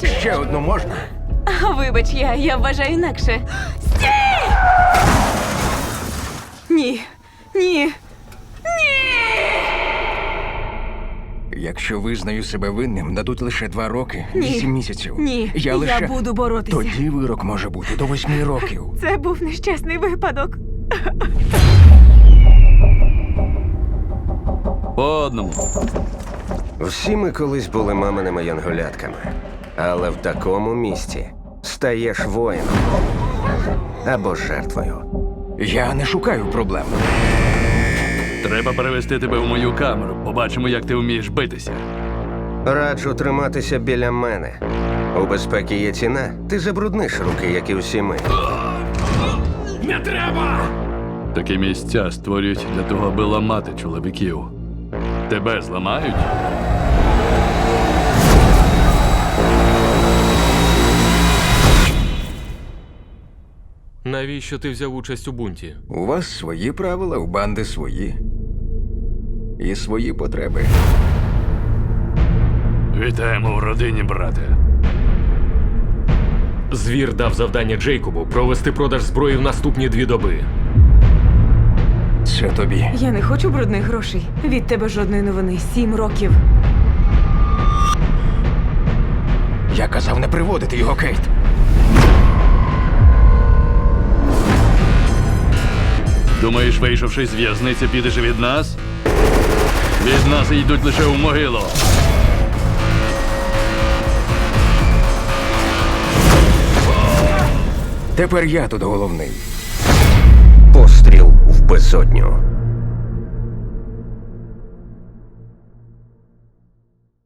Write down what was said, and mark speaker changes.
Speaker 1: Ще одну можна?
Speaker 2: Вибач, я вважаю інакше. Стій! Ні. Ні.
Speaker 1: Якщо визнаю себе винним, дадуть лише 2 роки,
Speaker 2: Ні.
Speaker 1: 8 місяців.
Speaker 2: Ні.
Speaker 1: Я лише...
Speaker 2: буду боротися.
Speaker 1: Тоді вирок може бути до 8 років.
Speaker 2: Це був нещасний випадок.
Speaker 3: По одному.
Speaker 4: Всі ми колись були маминими янголятками. Але в такому місці стаєш воїном або жертвою.
Speaker 1: Я не шукаю проблем.
Speaker 3: Треба перевести тебе в мою камеру. Побачимо, як ти вмієш битися.
Speaker 4: Раджу триматися біля мене. У безпеки є ціна, ти забрудниш руки, як і всі ми.
Speaker 3: Не треба! Такі місця створюють для того, аби ламати чоловіків. Тебе зламають?
Speaker 5: Навіщо ти взяв участь у бунті?
Speaker 1: У вас свої правила, у банди свої. І свої потреби.
Speaker 3: Вітаємо в родині, брате.
Speaker 5: Звір дав завдання Джейкобу провести продаж зброї в наступні 2 доби.
Speaker 1: Це тобі.
Speaker 2: Я не хочу брудних грошей. Від тебе жодної новини. 7 років.
Speaker 1: Я казав не приводити його, Кейт.
Speaker 3: Думаєш, вийшовши з в'язниці, підеш від нас? Від нас йдуть лише в могилу.
Speaker 1: Тепер я тут головний.
Speaker 4: Постріл в безодню.